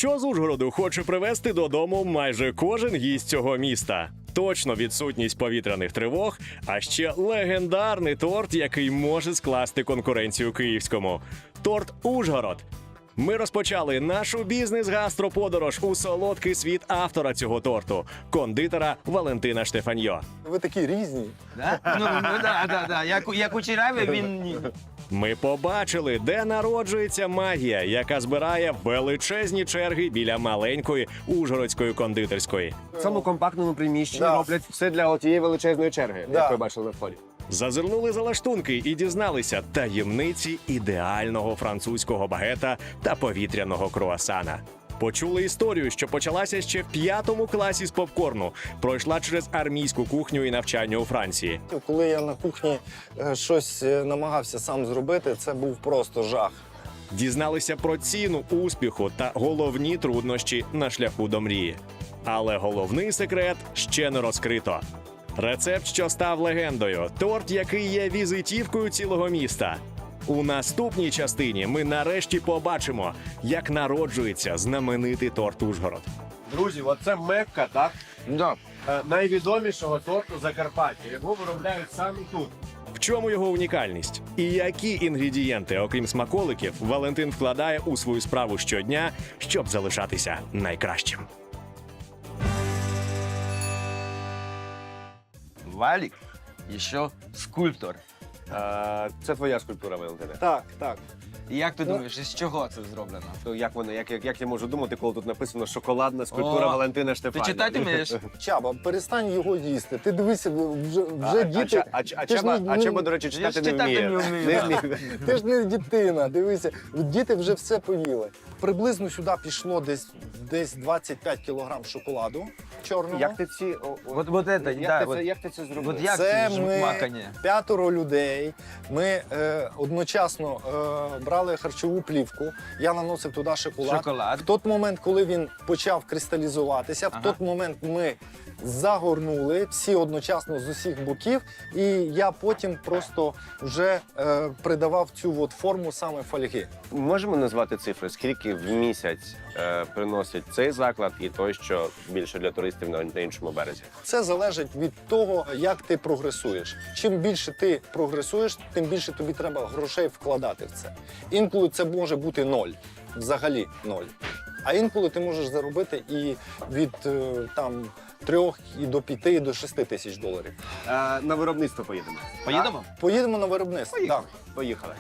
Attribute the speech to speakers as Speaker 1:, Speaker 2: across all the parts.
Speaker 1: що з Ужгороду хоче привезти додому майже кожен гість цього міста. Точно відсутність повітряних тривог, а ще легендарний торт, який може скласти конкуренцію київському. Торт «Ужгород». Ми розпочали нашу бізнес-гастроподорож у солодкий світ автора цього торту – кондитера Валентина Штефаньо.
Speaker 2: Ви такі різні.
Speaker 3: Да? Да. Як у Череві, він ні.
Speaker 1: Ми побачили, де народжується магія, яка збирає величезні черги біля маленької ужгородської кондитерської.
Speaker 4: В цьому компактному приміщенні
Speaker 2: Да.
Speaker 4: роблять все для тієї величезної черги,
Speaker 2: Да.
Speaker 4: як ви бачили на вході.
Speaker 1: Зазирнули за лаштунки і дізналися таємниці ідеального французького багета та повітряного круасана. Почули історію, що почалася ще в 5 класі з попкорну, пройшла через армійську кухню і навчання у Франції.
Speaker 2: Коли я на кухні щось намагався сам зробити, це був просто жах.
Speaker 1: Дізналися про ціну успіху та головні труднощі на шляху до мрії. Але головний секрет ще не розкрито. Рецепт, що став легендою, торт, який є візитівкою цілого міста. У наступній частині ми нарешті побачимо, як народжується знаменитий торт «Ужгород».
Speaker 4: Друзі, оце Мекка, так?
Speaker 3: Да.
Speaker 4: Найвідомішого торту Закарпаття. Його виробляють саме тут.
Speaker 1: В чому його унікальність? І які інгредієнти, окрім смаколиків, Валентин вкладає у свою справу щодня, щоб залишатися найкращим?
Speaker 3: Валік, і що скульптор.
Speaker 4: Це твоя скульптура, Валентине.
Speaker 2: Так, так.
Speaker 3: І як ти думаєш, із чого це зроблено?
Speaker 4: То як я можу думати, коли тут написано «Шоколадна скульптура
Speaker 3: О,
Speaker 4: Валентина
Speaker 3: Ти
Speaker 4: Штефаня»?
Speaker 3: читати вмієш?
Speaker 2: Чаба, перестань його їсти. Ти дивися, вже діти...
Speaker 4: Чеба, до речі,
Speaker 3: Я
Speaker 4: читати
Speaker 3: ж
Speaker 4: не
Speaker 3: читати
Speaker 4: вміє.
Speaker 3: не вмію,
Speaker 4: Не
Speaker 3: да.
Speaker 4: вміє.
Speaker 2: Ти ж не дитина, дивися. Діти вже все поїли. Приблизно сюди пішло десь 25 кілограм шоколаду чорного.
Speaker 4: Як ти ці...
Speaker 3: Вот это, да,
Speaker 4: Як ти це зробив?
Speaker 3: вот як
Speaker 2: Це
Speaker 3: це
Speaker 2: ми
Speaker 3: макання?
Speaker 2: 5 людей. Ми одночасно брали харчову плівку. Я наносив туди шоколад.
Speaker 3: Шоколад.
Speaker 2: В той момент, коли він почав кристалізуватися,
Speaker 3: Ага.
Speaker 2: в той момент ми загорнули всі одночасно з усіх боків, і я потім просто вже придавав цю от форму саме фольги.
Speaker 4: Можемо назвати цифри, скільки в місяць приносить цей заклад і той, що більше для туристів на іншому березі?
Speaker 2: Це залежить від того, як ти прогресуєш. Чим більше ти прогресуєш, тим більше тобі треба грошей вкладати в це. Інколи це може бути 0, взагалі 0. А інколи ти можеш заробити і від там 3 і до 5, і до 6 тисяч доларів.
Speaker 4: На виробництво поїдемо.
Speaker 3: Поїдемо?
Speaker 2: Поїдемо на виробництво. Так.
Speaker 4: Поїхали.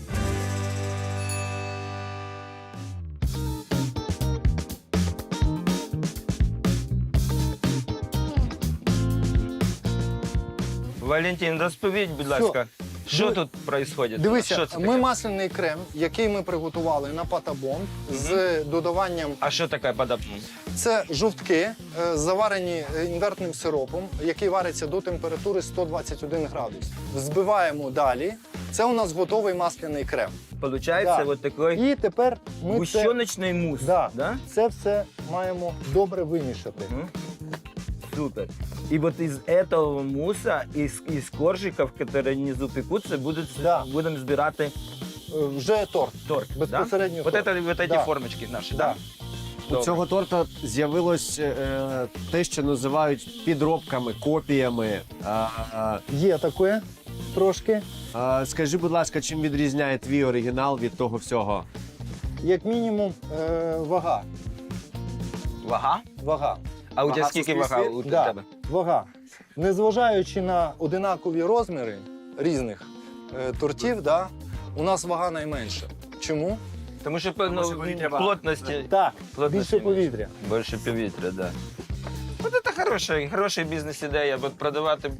Speaker 3: Валентин, розповідь, будь
Speaker 2: Що?
Speaker 3: ласка, що
Speaker 2: Диви-
Speaker 3: тут відбувається?
Speaker 2: Дивися,
Speaker 3: Що це
Speaker 2: ми
Speaker 3: таке?
Speaker 2: масляний крем, який ми приготували на патабон з додаванням.
Speaker 3: А що таке подобно?
Speaker 2: Це жовтки, заварені інвертним сиропом, який вариться до температури 121 градус. Взбиваємо далі. Це у нас готовий масляний крем.
Speaker 3: Получається
Speaker 2: Да.
Speaker 3: вот такий
Speaker 2: І тепер ми
Speaker 3: гущоночний мус.
Speaker 2: Да.
Speaker 3: Да?
Speaker 2: це все маємо добре вимішати.
Speaker 3: Мгм. Супер. И вот из этого муса, из коржиков, которые внизу пекутся,
Speaker 2: Да.
Speaker 3: будем збирати
Speaker 2: Вже торт.
Speaker 3: торт.
Speaker 2: Безпосередньо
Speaker 3: Да? Вот,
Speaker 2: торт.
Speaker 3: это, вот эти
Speaker 2: Да.
Speaker 3: формочки наші,
Speaker 2: Да.
Speaker 3: Да?
Speaker 4: У цього торта з'явилось те, що називають підробками, копіями.
Speaker 2: Є таке трошки.
Speaker 4: Скажи, будь ласка, чим відрізняє твій оригінал від того всього?
Speaker 2: Як мінімум, вага.
Speaker 3: Вага?
Speaker 2: Вага.
Speaker 3: А у
Speaker 4: Вага
Speaker 3: тебе скільки
Speaker 4: суспільстві?
Speaker 3: вага у
Speaker 2: Да.
Speaker 3: тебе?
Speaker 2: Вага. Незважаючи на одинакові розміри різних тортів, да, у нас вага найменша. Чому?
Speaker 3: Тому що
Speaker 4: що повітря багато.
Speaker 3: плотності.
Speaker 2: Так,
Speaker 3: Плотності
Speaker 2: більше повітря.
Speaker 3: Більше повітря, да. От це хороша бізнес-ідея, от продавати.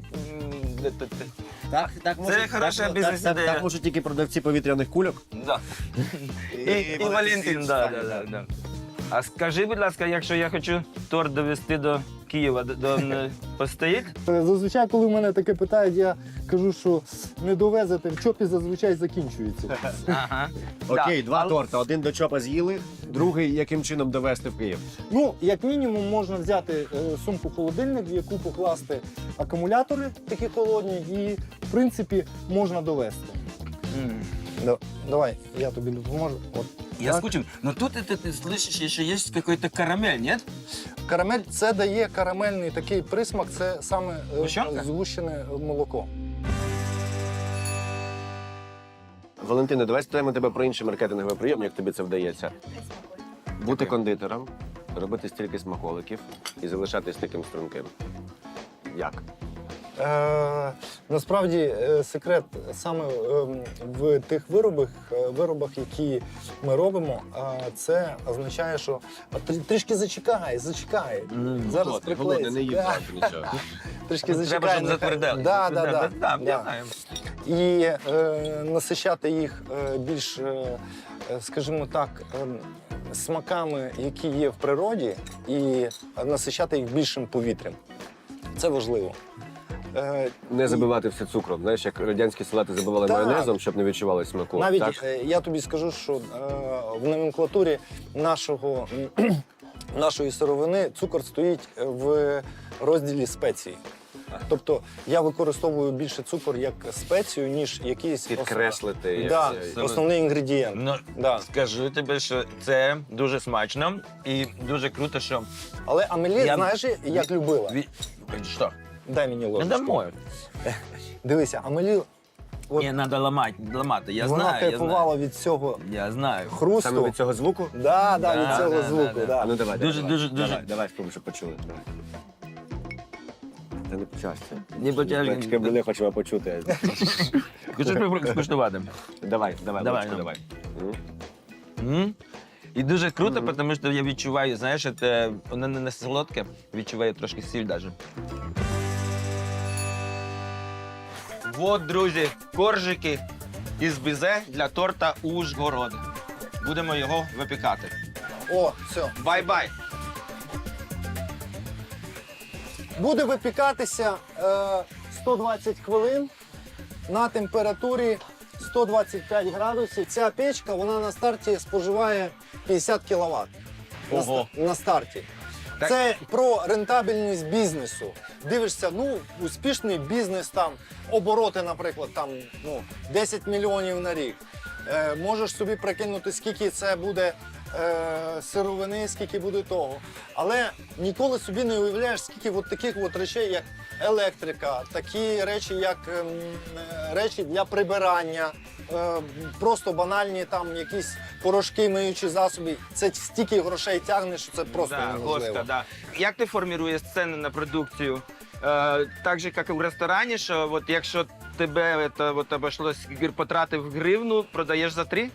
Speaker 4: Так
Speaker 3: Це хороша бізнес-ідея.
Speaker 4: Так можуть тільки продавці повітряних кульок.
Speaker 3: Да. І Валентин, да. А скажи, будь ласка, якщо я хочу торт довести до Києва, постоїть?
Speaker 2: Зазвичай, коли мене таке питають, я кажу, що не довезете, в чопі зазвичай закінчується.
Speaker 3: Ага.
Speaker 4: Окей,
Speaker 3: Да.
Speaker 4: два
Speaker 3: Але-
Speaker 4: торти. Один до чопа з'їли, другий яким чином довести в Київ.
Speaker 2: Ну, як мінімум, можна взяти сумку-холодильник, в яку покласти акумулятори такі холодні, і, в принципі, можна довести.
Speaker 3: М.
Speaker 2: Давай, я тобі допоможу. От.
Speaker 3: Я
Speaker 2: Так.
Speaker 3: скучив. Но тут ты слышишь, еще есть какой-то карамель, нет?
Speaker 2: Карамель це дає карамельний такий присмак, це саме
Speaker 3: Гущонка?
Speaker 2: згущене молоко.
Speaker 4: Валентина, давай спитаємо тебе про інший маркетинговий прийом, як тобі це вдається. Бути кондитером, робити стільки смаколиків і залишатись таким струнким. Як?
Speaker 2: Насправді секрет саме в тих виробах, які ми робимо, це означає, що трішки зачекай. Зараз приклеїться.
Speaker 4: не їв
Speaker 2: Да.
Speaker 4: багато нічого.
Speaker 2: Трішки
Speaker 3: Треба,
Speaker 2: зачекай.
Speaker 3: щоб затвердели.
Speaker 2: Да,
Speaker 3: Да, я знаю.
Speaker 2: І насичати їх більш, скажімо так, смаками, які є в природі, і насичати їх більшим повітрям. Це важливо.
Speaker 4: Не забивати все цукром. Знаєш, як радянські салати забивали
Speaker 2: Так.
Speaker 4: майонезом, щоб не відчували смаку.
Speaker 2: Навіть
Speaker 4: так?
Speaker 2: я тобі скажу, що в номенклатурі нашої сировини цукор стоїть в розділі спеції. Тобто я використовую більше цукор як спецію, ніж якийсь
Speaker 4: Підкреслити.
Speaker 2: Да,
Speaker 3: Це-
Speaker 2: основний інгредієнт.
Speaker 3: Ну,
Speaker 2: Да.
Speaker 3: скажу тобі, що це дуже смачно і дуже круто, що...
Speaker 2: Але Амелі, знаєш, як любила.
Speaker 3: Що?
Speaker 2: Дай мені
Speaker 3: Не
Speaker 2: ложечку.
Speaker 3: домой.
Speaker 2: Дивися, Амелі, от
Speaker 3: Ні, треба ламати. Я
Speaker 2: вона
Speaker 3: знаю, я
Speaker 2: кайфувала
Speaker 3: знаю.
Speaker 2: від цього
Speaker 3: Я знаю.
Speaker 2: хрусту.
Speaker 4: Саме від цього звуку?
Speaker 2: Да,
Speaker 3: Да,
Speaker 2: від цього
Speaker 3: да,
Speaker 2: звуку.
Speaker 3: да,
Speaker 2: Да.
Speaker 4: А ну давай.
Speaker 3: Дуже,
Speaker 4: давай,
Speaker 3: дуже,
Speaker 4: давай,
Speaker 3: дуже.
Speaker 4: Давай, спробуй, щоб почули. Давай. Та не почався.
Speaker 3: Не потягнемо.
Speaker 4: Чекай, ми не хочемо почути.
Speaker 3: Хочу скуштувати.
Speaker 4: Давай,
Speaker 3: Давай,
Speaker 4: ложечку,
Speaker 3: ну.
Speaker 4: давай.
Speaker 3: І дуже круто, тому що я відчуваю, знаєш, це, воно не солодке, відчуваю трошки сіль навіть. От, друзі, коржики із бізе для торта Ужгород. Будемо його випікати.
Speaker 2: О, все.
Speaker 3: Бай-бай!
Speaker 2: Буде випікатися 120 хвилин на температурі 125 градусів. Ця печка, вона на старті споживає 50 кВт.
Speaker 3: Ого.
Speaker 2: На старті.
Speaker 3: Так.
Speaker 2: Це про рентабельність бізнесу. Дивишся, успішний бізнес, там, обороти, наприклад, там, 10 мільйонів на рік. Можеш собі прикинути, скільки це буде сировини, скільки буде того. Але ніколи собі не уявляєш, скільки от таких от речей, як електрика, такі речі, як речі для прибирання, просто банальні там якісь порошки, миючі засоби. Це стільки грошей тягне, що це просто неможливо.
Speaker 3: Госка, да. Як ти формуєш ціни на продукцію? Так же, як і в ресторані, що от якщо тебе обійшлось, потратив гривну, продаєш за 3?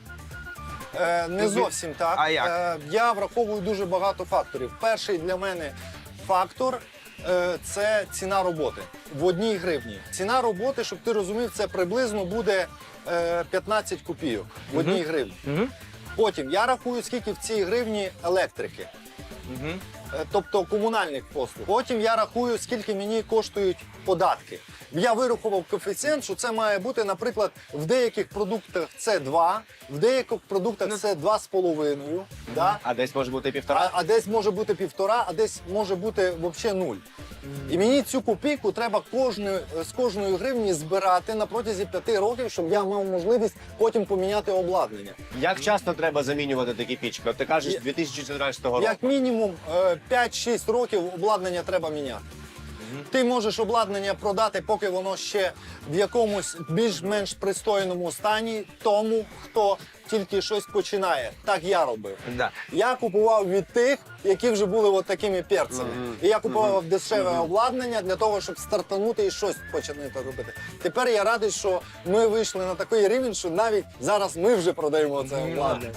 Speaker 2: Не зовсім так.
Speaker 3: А як?
Speaker 2: Я враховую дуже багато факторів. Перший для мене фактор це ціна роботи в 1 гривні. Ціна роботи, щоб ти розумів, це приблизно буде 15 копійок в 1 гривні.
Speaker 3: Угу.
Speaker 2: Потім я рахую, скільки в цій гривні електрики,
Speaker 3: Угу.
Speaker 2: тобто комунальних послуг. Потім я рахую, скільки мені коштують податки. Я вирахував коефіцієнт, що це має бути, наприклад, в деяких продуктах це 2, в деяких продуктах це 2,5. Да?
Speaker 4: А десь може бути 1,5?
Speaker 2: А десь може бути 1,5, а десь може бути взагалі 0. І мені цю копійку треба з кожної гривні збирати на протязі 5 років, щоб я мав можливість потім поміняти обладнання.
Speaker 4: Як часто треба замінювати такі пічки? От ти кажеш, з 2014 року.
Speaker 2: Як мінімум 5-6 років обладнання треба міняти. Ти можеш обладнання продати, поки воно ще в якомусь більш-менш пристойному стані тому, хто тільки щось починає. Так я робив.
Speaker 3: Да.
Speaker 2: Я купував від тих, які вже були от такими перцями. І я купував дешеве обладнання для того, щоб стартанути і щось почати робити. Тепер я радий, що ми вийшли на такий рівень, що навіть зараз ми вже продаємо це обладнання.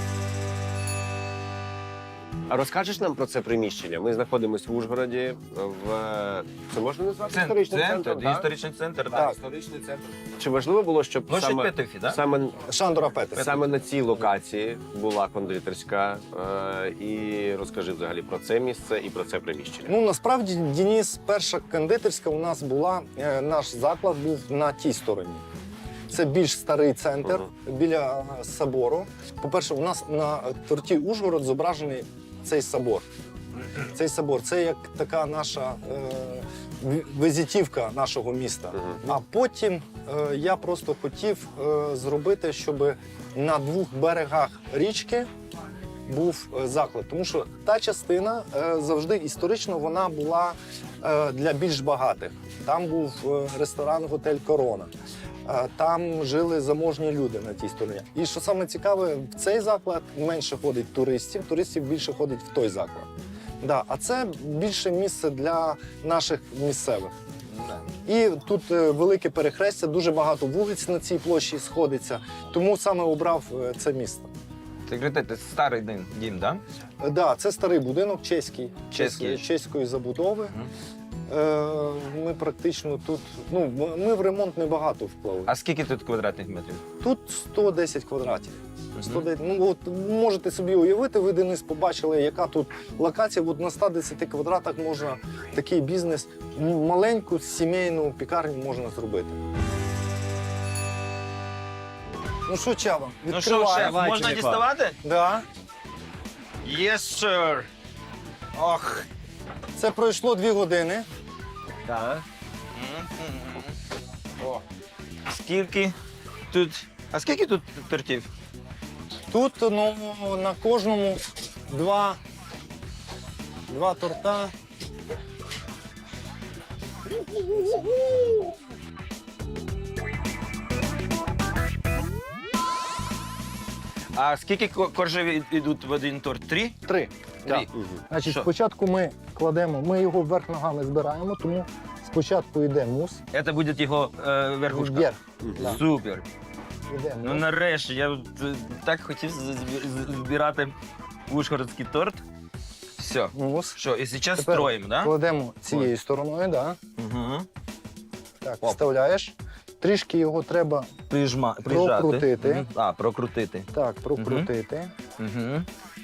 Speaker 4: А розкажеш нам про це приміщення? Ми знаходимося в Ужгороді, це можна назвати історичним центром? так?
Speaker 3: Історичний центр,
Speaker 4: Так,
Speaker 3: так.
Speaker 4: історичний центр. Чи важливо було, щоб
Speaker 3: Площадь Петефі, да?
Speaker 2: Шандора Петер.
Speaker 4: саме на цій локації була кондитерська? І розкажи взагалі про це місце і про це приміщення.
Speaker 2: Ну, насправді, Денис, перша кондитерська у нас була, наш заклад був на тій стороні. Це більш старий центр біля собору. По-перше, у нас на торті Ужгород зображений цей собор. Цей собор це як така наша візитівка нашого міста. А потім я просто хотів зробити, щоб на двох берегах річки був заклад. Тому що та частина завжди історично вона була для більш багатих. Там був ресторан «Готель Корона». Там жили заможні люди на тій стороні. І що саме цікаве, в цей заклад менше ходить туристів більше ходить в той заклад. Да, а це більше місце для наших місцевих. І тут велике перехрестя, дуже багато вулиць на цій площі сходиться, тому саме обрав це місто.
Speaker 3: Ти говорите, це старий дім, так?
Speaker 2: Да, це старий будинок, чеський,
Speaker 3: Чеський.
Speaker 2: чеської забудови. Ми практично тут, ми в ремонт небагато вклали.
Speaker 3: А скільки тут квадратних метрів?
Speaker 2: Тут 110 квадратів. 110, от можете собі уявити, ви Денис побачили, яка тут локація. От на 110 квадратах можна такий бізнес, маленьку сімейну пікарню можна зробити. Ну що, Чаба,
Speaker 3: Ну що,
Speaker 2: відкриваємо.
Speaker 3: шеф,
Speaker 4: Давай,
Speaker 3: можна
Speaker 4: телефон.
Speaker 3: діставати?
Speaker 2: Да.
Speaker 3: Yes, sir. Ох.
Speaker 2: Це пройшло 2 години.
Speaker 4: Так.
Speaker 3: О. Скільки тут. А скільки тут тортів?
Speaker 2: Тут на кожному два торта.
Speaker 3: А скільки коржів йдуть в один торт? 3?
Speaker 2: 3.
Speaker 3: Три.
Speaker 2: Значить,
Speaker 3: Що?
Speaker 2: спочатку ми кладемо, ми його вверх ногами збираємо, тому спочатку йде мус.
Speaker 3: Це буде його верхушка.
Speaker 2: Вверх. Да.
Speaker 3: Супер.
Speaker 2: Іде
Speaker 3: Ну
Speaker 2: мус.
Speaker 3: нарешті, я так хотів збирати ужгородський торт. Все.
Speaker 2: Мус.
Speaker 3: Що, і зараз
Speaker 2: Тепер
Speaker 3: строїмо, так?
Speaker 2: Кладемо цією стороною, да.
Speaker 3: Угу.
Speaker 2: Так,
Speaker 3: Оп.
Speaker 2: вставляєш. Трішки його треба
Speaker 3: Прижати.
Speaker 2: Прокрутити.
Speaker 3: Мгм. А, прокрутити.
Speaker 2: так прокрутити.
Speaker 3: Угу.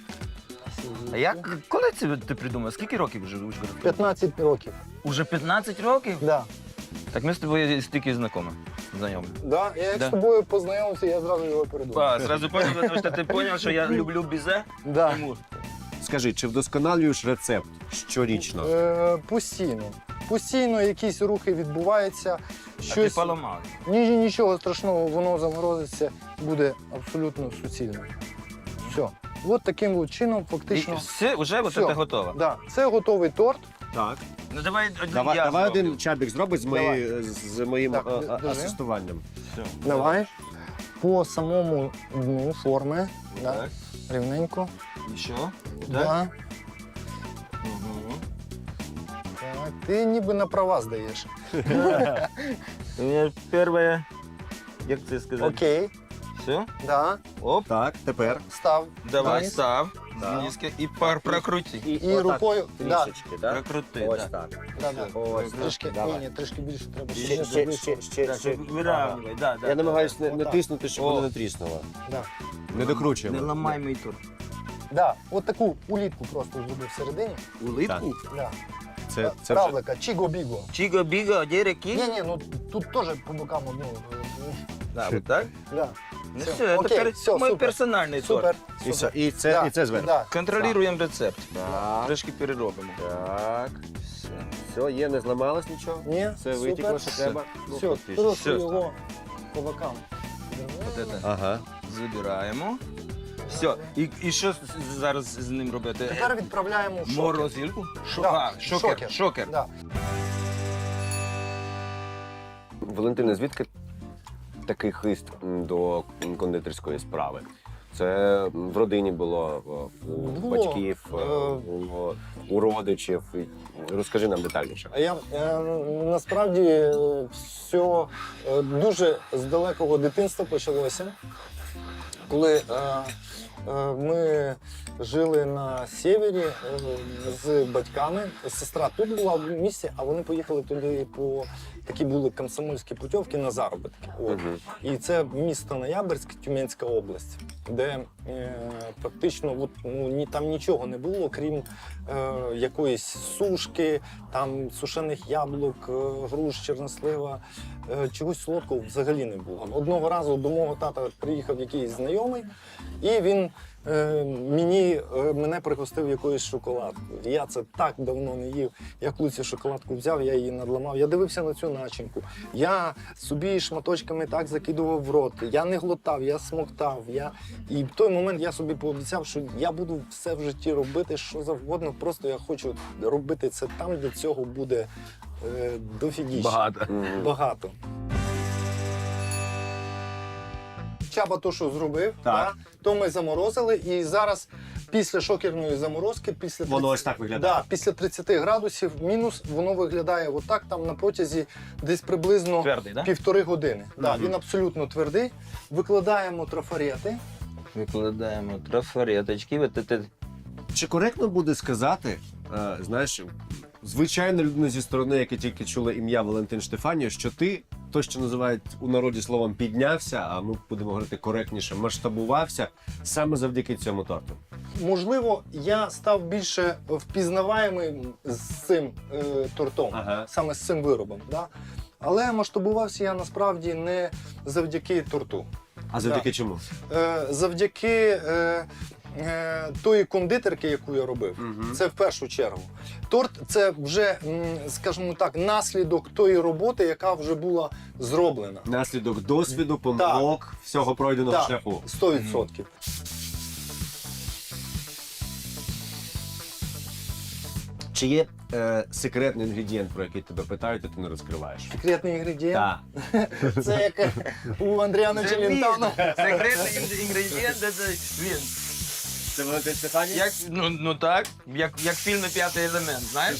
Speaker 3: А як, коли це ти придумав? Скільки років вже в Ужгороді?
Speaker 2: 15 років.
Speaker 3: Уже 15 років?
Speaker 2: Да.
Speaker 3: Так ми з тобою стільки знайомі.
Speaker 2: Да. Я як
Speaker 3: Да.
Speaker 2: з тобою познайомився, я зразу його передумав.
Speaker 3: А, сразу понял, тому що ти зрозумів, що я люблю бізе.
Speaker 2: Да.
Speaker 3: Тому.
Speaker 4: Скажи, чи вдосконалюєш рецепт щорічно?
Speaker 2: Постійно. Постійно якісь рухи відбуваються.
Speaker 3: А ти
Speaker 2: Щось...
Speaker 3: поламав.
Speaker 2: Нічого страшного, воно заморозиться, буде абсолютно суцільно. Все. От таким от чином
Speaker 3: І
Speaker 2: фактично.
Speaker 3: все, вже
Speaker 2: Все.
Speaker 3: це готово.
Speaker 2: Да. Це готовий торт.
Speaker 4: Так.
Speaker 3: Ну давай один
Speaker 4: Давай,
Speaker 3: я
Speaker 4: давай
Speaker 3: зроблю.
Speaker 4: один чабік зробить з моїм
Speaker 2: Так, держи.
Speaker 4: асистуванням.
Speaker 3: Все.
Speaker 2: Давай. По самому дну форми. Да.
Speaker 3: Так.
Speaker 2: Рівненько.
Speaker 3: І що?
Speaker 2: Да.
Speaker 3: Угу.
Speaker 2: Так. Ти ніби на права здаєш.
Speaker 3: У мене перше, як це сказати?
Speaker 2: Окей.
Speaker 3: Все?
Speaker 2: Да.
Speaker 3: Оп.
Speaker 4: Так, тепер.
Speaker 2: Став.
Speaker 3: Давай,
Speaker 2: вниз.
Speaker 3: став.
Speaker 4: Да.
Speaker 3: Знизки. І прокрути.
Speaker 2: І рукою. Да.
Speaker 4: Трішечки, так?
Speaker 3: Прокрути,
Speaker 4: Ось
Speaker 3: да.
Speaker 4: так.
Speaker 2: Да, да.
Speaker 4: Ось
Speaker 2: Трішки,
Speaker 4: так. Давай.
Speaker 2: ні, трішки більше треба. щоб
Speaker 4: Ще,
Speaker 2: не
Speaker 4: ще,
Speaker 2: зависло.
Speaker 4: ще,
Speaker 3: Так,
Speaker 4: ще.
Speaker 3: вирівнювай, да, да.
Speaker 4: Я намагаюся не
Speaker 2: Отак.
Speaker 4: тиснути, щоб
Speaker 3: О.
Speaker 4: воно не тріснуло.
Speaker 2: Да.
Speaker 4: Не докручуємо.
Speaker 3: Не ламай мій торт.
Speaker 2: Да. От таку улітку просто зробив всередині.
Speaker 3: Улитку?
Speaker 2: Да.
Speaker 4: Це вже...
Speaker 2: Равлика, чіго-біго.
Speaker 3: Чіго-біго, де реки?
Speaker 2: Ні, ну тут теж по бокам одну.
Speaker 3: Да, вот так?
Speaker 2: Да.
Speaker 3: Ну
Speaker 2: Все.
Speaker 3: все,
Speaker 2: Окей,
Speaker 3: это
Speaker 2: все,
Speaker 3: мой
Speaker 2: супер.
Speaker 3: персональний
Speaker 2: Супер.
Speaker 3: торт.
Speaker 4: І,
Speaker 2: Супер.
Speaker 4: і це,
Speaker 2: Да.
Speaker 4: і це зверху.
Speaker 2: Да.
Speaker 3: Контролюємо рецепт.
Speaker 4: Так.
Speaker 3: Трошки переробимо.
Speaker 4: Так.
Speaker 3: Все.
Speaker 4: Все, є, не зламалось нічого?
Speaker 2: Ні,
Speaker 4: Все
Speaker 2: супер.
Speaker 4: витекло, що треба? Ну,
Speaker 2: Все,
Speaker 4: фактично.
Speaker 2: просто
Speaker 3: Все.
Speaker 2: його по бокам.
Speaker 3: Вот это
Speaker 4: Ага.
Speaker 3: забираємо. Все. І що зараз з ним робити?
Speaker 2: Тепер відправляємо в шокер.
Speaker 3: Морозилку?
Speaker 2: Да,
Speaker 3: Шокер. Шокер.
Speaker 2: Да.
Speaker 4: Валентине, звідки такий хист до кондитерської справи? Це в родині було, у
Speaker 2: Було.
Speaker 4: батьків, було у родичів. Розкажи нам детальніше.
Speaker 2: А я насправді все дуже з далекого дитинства почалося, коли ми жили на сєвєрі з батьками. Сестра тут була в місті, а вони поїхали туди по такі були комсомольські путівки на заробітки. От.
Speaker 4: Мгм.
Speaker 2: І це місто Ноябрьськ, Тюменська область, де практично там нічого не було, крім якоїсь сушки, там сушених яблук, груш, чорнослива, чогось солодкого взагалі не було. Одного разу до мого тата приїхав якийсь знайомий, і він Мене пригостив якоюсь шоколадкою. Я це так давно не їв. Я коли цю шоколадку взяв, я її надламав. Я дивився на цю начинку. Я собі шматочками так закидував в рот. Я не глотав, я смоктав. І в той момент я собі пообіцяв, що я буду все в житті робити, що завгодно. Просто я хочу робити це там, де цього буде дофігіше. Багато. Чаба то, що зробив,
Speaker 4: Так.
Speaker 2: то ми заморозили. І зараз після шокерної заморозки,
Speaker 4: Воно ось так виглядає?
Speaker 2: Да, після 30 градусів мінус, воно виглядає отак, там на протязі десь приблизно
Speaker 3: Твердий, да?
Speaker 2: 1,5 години. Да, він абсолютно твердий. Викладаємо трафарети.
Speaker 3: Викладаємо трафареточки.
Speaker 4: Чи коректно буде сказати, знаєш, звичайна людина зі сторони, яка тільки чула ім'я Валентин Штефаніо, що ти, то, що називають у народі словом піднявся, а ми будемо говорити коректніше, масштабувався саме завдяки цьому торту?
Speaker 2: Можливо, я став більше впізнаваємим з цим тортом,
Speaker 4: Ага.
Speaker 2: саме з цим виробом. Да? Але масштабувався я насправді не завдяки торту.
Speaker 4: А завдяки чому?
Speaker 2: Завдяки тої кондитерки, яку я робив, це в першу чергу. Торт це вже, скажімо так, наслідок тої роботи, яка вже була зроблена.
Speaker 4: Наслідок досвіду, помилок, всього пройденого
Speaker 2: Так,
Speaker 4: шляху.
Speaker 2: 100%.
Speaker 4: Чи є секретний інгредієнт, про який тебе питають, а ти не розкриваєш?
Speaker 2: Секретний інгредієнт.
Speaker 4: Так.
Speaker 2: Це як у Андріана Челентано.
Speaker 3: Секретний інгредієнт це він.
Speaker 4: Це Валентин Штефаніо?
Speaker 3: Ну так, як в фільмі «П'ятий елемент», знаєш?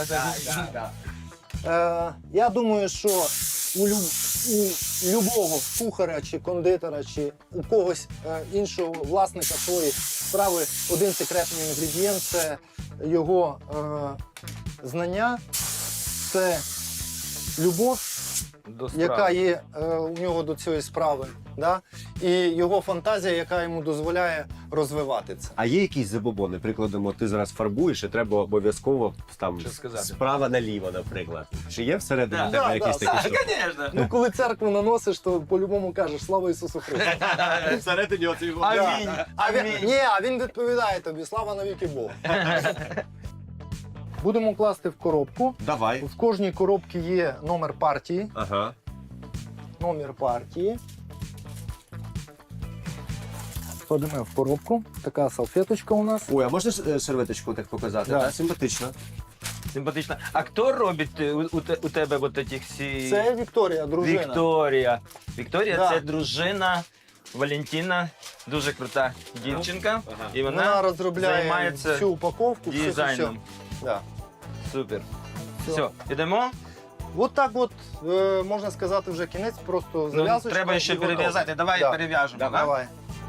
Speaker 2: Я думаю, що у любого кухаря чи кондитера, чи у когось іншого власника своєї справи один секретний інгредієнт – це його знання, це любов, яка є у нього до цієї справи, да? І його фантазія, яка йому дозволяє розвивати це.
Speaker 4: А є якісь забобони? Прикладемо, ти зараз фарбуєш і треба обов'язково там
Speaker 3: Що сказати?
Speaker 4: справа наліво, наприклад. Чи є всередині
Speaker 3: Да.
Speaker 4: тебе
Speaker 2: Да,
Speaker 4: якісь
Speaker 2: да,
Speaker 4: такі штуки?
Speaker 3: Звісно.
Speaker 2: Ну, коли церкву наносиш, то по-любому кажеш «Слава Ісусу Христу».
Speaker 4: Всередині оцей
Speaker 3: Амінь.
Speaker 2: А він відповідає тобі «Слава навіки Богу». Будемо класти в коробку.
Speaker 4: Давай.
Speaker 2: В кожній коробці є номер партії.
Speaker 4: Ага.
Speaker 2: Номер партії. Кладемо в коробку. Така салфеточка у нас.
Speaker 4: Ой, а можна серветочку так показати?
Speaker 2: Да.
Speaker 4: Так, симпатично.
Speaker 3: Симпатично. А хто робить у тебе от таких всі...
Speaker 2: Це Вікторія, дружина.
Speaker 3: Вікторія. Вікторія
Speaker 2: Да.
Speaker 3: це дружина Валентина, дуже крута дівчинка. І
Speaker 2: Вона розробляє
Speaker 3: займається
Speaker 2: всю упаковку, все.
Speaker 3: дизайном.
Speaker 2: Да.
Speaker 3: Супер.
Speaker 2: Все.
Speaker 3: Все, ідемо.
Speaker 2: От так от, можна сказати, вже кінець, просто
Speaker 3: Ну,
Speaker 2: зав'язочка.
Speaker 3: треба ще
Speaker 2: і готово.
Speaker 3: перев'язати. Давай
Speaker 2: Да.
Speaker 3: перев'яжемо. да?
Speaker 2: Давай.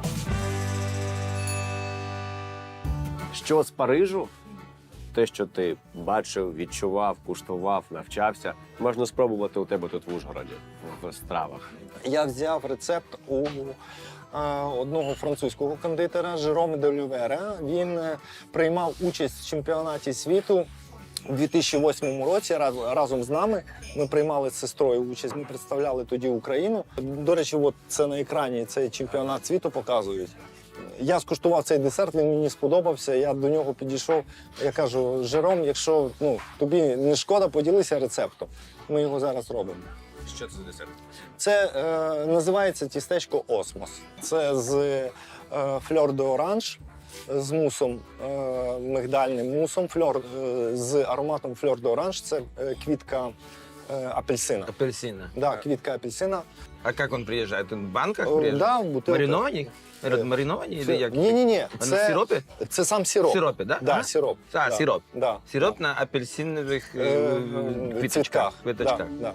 Speaker 4: Що з Парижу? Те, що ти бачив, відчував, куштував, навчався, можна спробувати у тебе тут в Ужгороді, в стравах.
Speaker 2: Я взяв рецепт у одного французького кондитера Жероме де Лювера. Він приймав участь в чемпіонаті світу у 2008 році разом з нами. Ми приймали з сестрою участь, ми представляли тоді Україну. До речі, от це на екрані цей чемпіонат світу показують. Я скуштував цей десерт, він мені сподобався. Я до нього підійшов. Я кажу: Жером, якщо тобі не шкода, поділися рецептом. Ми його зараз робимо.
Speaker 4: Що це за десерт?
Speaker 2: Це називається тістечко Осмос. Це з фльор де оранж, з мусом, мигдальним мусом, з ароматом фльор де оранж. Це квітка апельсина.
Speaker 3: Апельсина.
Speaker 2: Да, квітка апельсина.
Speaker 3: А як він приїжджає? Він в банках
Speaker 2: Да,
Speaker 3: приїжджає?
Speaker 2: в бутилках.
Speaker 3: Мариновані? Мариновані? Или як?
Speaker 2: Ні.
Speaker 3: А на сиропі?
Speaker 2: Це сам сироп.
Speaker 3: В сиропі, да?
Speaker 2: Да,
Speaker 3: Ага.
Speaker 2: сироп.
Speaker 3: А,
Speaker 2: Да.
Speaker 3: сироп.
Speaker 2: Да.
Speaker 3: Сироп на апельсинових
Speaker 2: Цвітках.
Speaker 3: квіточках.
Speaker 2: Да.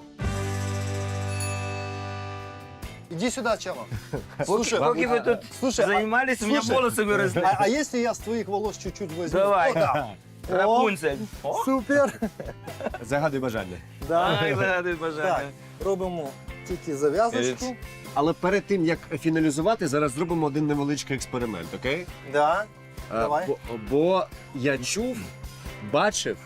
Speaker 2: Иди сюда, Чава.
Speaker 3: Поки ви тут
Speaker 2: слушай,
Speaker 3: займались, у мене
Speaker 2: слушай,
Speaker 3: волоси виросли.
Speaker 2: а если я с твоих волос чуть-чуть возьму?
Speaker 3: Давай.
Speaker 2: О, да.
Speaker 3: Рапунцель. О,
Speaker 2: Супер.
Speaker 4: Загадуй бажання.
Speaker 2: Да.
Speaker 3: загадуй бажання.
Speaker 2: Так, робимо тільки зав'язочку.
Speaker 4: Але перед тим, як фіналізувати, зараз зробимо один невеличкий експеримент, окей?
Speaker 2: Да. Давай.
Speaker 4: Бо я чув, бачив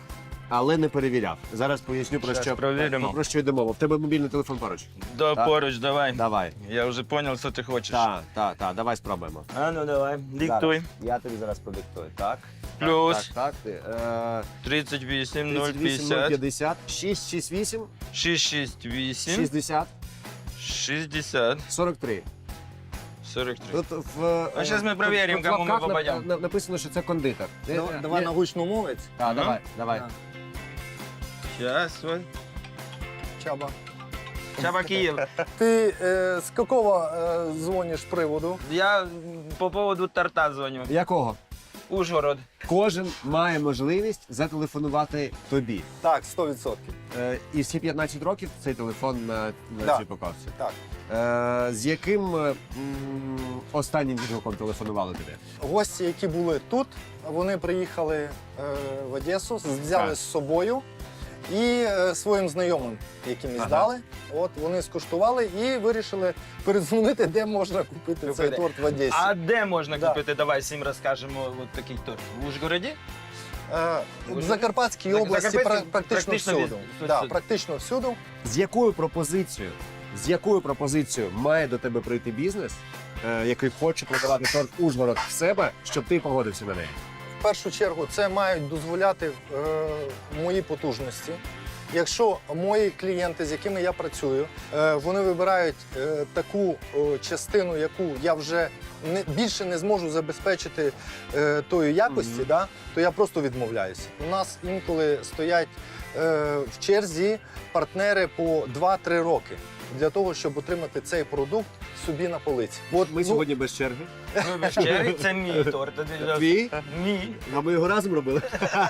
Speaker 4: але не перевіряв. Зараз поясню,
Speaker 3: Щас перевіримо.
Speaker 4: про що йде мова. В тебе мобільний телефон поруч.
Speaker 3: Да,
Speaker 4: Так.
Speaker 3: поруч, давай.
Speaker 4: Давай.
Speaker 3: Я вже зрозумів, що ти хочеш.
Speaker 4: Так, давай спробуємо.
Speaker 3: А ну давай, диктуй.
Speaker 4: Я тобі зараз продиктую. Так.
Speaker 3: Плюс.
Speaker 4: Так.
Speaker 3: 38,
Speaker 4: 38,
Speaker 3: 050,
Speaker 4: 50, 668,
Speaker 3: 668,
Speaker 4: 60,
Speaker 3: 60,
Speaker 4: 43.
Speaker 3: 43.
Speaker 4: Тут в,
Speaker 3: А щас ми перевіримо,
Speaker 4: тут в
Speaker 3: кому ми
Speaker 4: лапках
Speaker 3: попадемо.
Speaker 4: написано, що це кондитер.
Speaker 2: Давай на гучномовець.
Speaker 4: Так,
Speaker 3: Ага.
Speaker 4: давай.
Speaker 2: Так.
Speaker 3: Сейчас, вот.
Speaker 2: Чаба.
Speaker 3: Чаба Киев.
Speaker 2: Ты с какого звонишь приводу?
Speaker 3: Я по поводу торта звоню.
Speaker 4: Якого?
Speaker 3: Ужгород.
Speaker 4: Кожен має можливість зателефонувати тобі.
Speaker 2: Так, 100%.
Speaker 4: І всі 15 років цей телефон на
Speaker 2: Да.
Speaker 4: цій упаковці.
Speaker 2: Так.
Speaker 4: З яким останнім відгуком телефонували тобі?
Speaker 2: Гості, які були тут, вони приїхали в Одесу, взяли
Speaker 4: Так.
Speaker 2: з собою і своїм знайомим, яким
Speaker 4: Ага.
Speaker 2: здали. От вони скуштували і вирішили передзвонити, де можна купити цей торт в Одесі.
Speaker 3: А де можна
Speaker 2: Да.
Speaker 3: купити? Давай всім розкажемо от такий торт. В Ужгороді?
Speaker 2: В Закарпатській
Speaker 3: Так,
Speaker 2: області
Speaker 3: Закарпатській
Speaker 2: практично всюди.
Speaker 3: всюди.
Speaker 2: Да, практично всюди.
Speaker 4: З якою пропозицією має до тебе прийти бізнес, який хоче продавати торт Ужгород в себе, щоб ти погодився на неї?
Speaker 2: В першу чергу це мають дозволяти мої потужності. Якщо мої клієнти, з якими я працюю, вони вибирають таку частину, яку я вже більше не зможу забезпечити тої якості, да, то я просто відмовляюся. У нас інколи стоять в черзі партнери по 2-3 роки для того, щоб отримати цей продукт собі на полиці. От
Speaker 4: Ми сьогодні без черги.
Speaker 3: Ну, без черги, це мій торт.
Speaker 4: Твій?
Speaker 3: Мій.
Speaker 4: А ми його разом робили.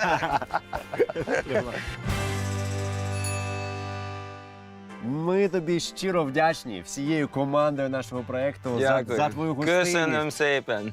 Speaker 4: Ми тобі щиро вдячні всією командою нашого проєкту за твою гостинність,
Speaker 3: Köszönöm szépen.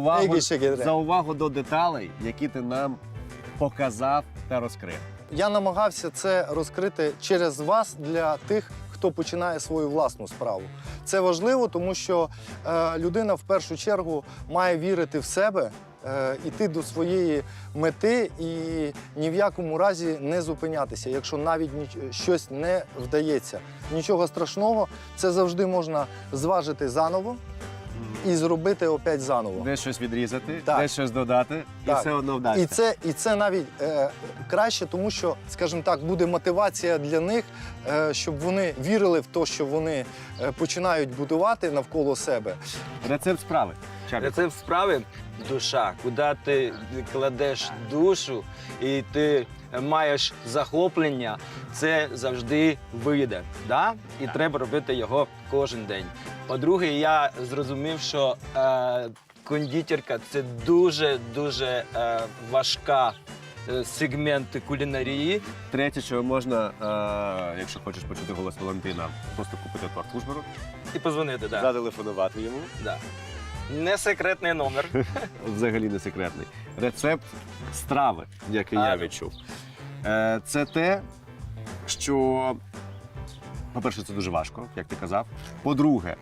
Speaker 4: за увагу до деталей, які ти нам показав та розкрив.
Speaker 2: Я намагався це розкрити через вас для тих, хто починає свою власну справу. Це важливо, тому що людина в першу чергу має вірити в себе, іти до своєї мети і ні в якому разі не зупинятися, якщо навіть щось не вдається. Нічого страшного, це завжди можна зважити заново і зробити опять заново.
Speaker 4: Де щось відрізати,
Speaker 2: Так.
Speaker 4: де щось додати, і
Speaker 2: Так.
Speaker 4: все одно вдасться.
Speaker 2: І це навіть краще, тому що, скажімо так, буде мотивація для них, щоб вони вірили в те, що вони починають будувати навколо себе.
Speaker 4: Рецепт справи. Чабі.
Speaker 3: Рецепт справи душа, куди ти кладеш душу і ти маєш захоплення, це завжди вийде. Да? І треба робити його кожен день. По-друге, я зрозумів, що кондитерка – це дуже важка сегмент кулінарії.
Speaker 4: Третє, що можна, якщо хочеш почути голос Валентина, просто купити торт Ужгород,
Speaker 3: І позвонити, да.
Speaker 4: зателефонувати йому.
Speaker 3: Да. Не секретний номер.
Speaker 4: Взагалі не секретний. Рецепт страви, який я відчув. Це те, що, по-перше, це дуже важко, як ти казав. По-друге,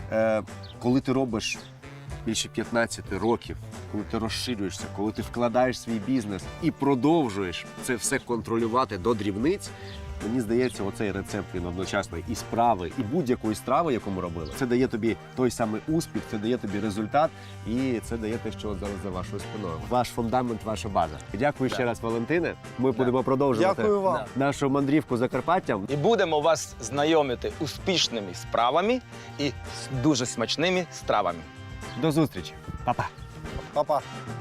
Speaker 4: коли ти робиш більше 15 років, коли ти розширюєшся, коли ти вкладаєш свій бізнес і продовжуєш це все контролювати до дрібниць, мені здається, оцей рецепт він одночасно і справи, і будь-якої страви, яку ми робили. Це дає тобі той самий успіх, це дає тобі результат, і це дає те, що зараз за вашою спиною. Ваш фундамент, ваша база. Дякую ще раз, Валентине. Ми будемо продовжувати
Speaker 2: Дякую вам.
Speaker 4: нашу мандрівку Закарпаттям.
Speaker 3: І будемо вас знайомити успішними справами і з дуже смачними стравами.
Speaker 4: До зустрічі. Па-па.
Speaker 2: Па-па.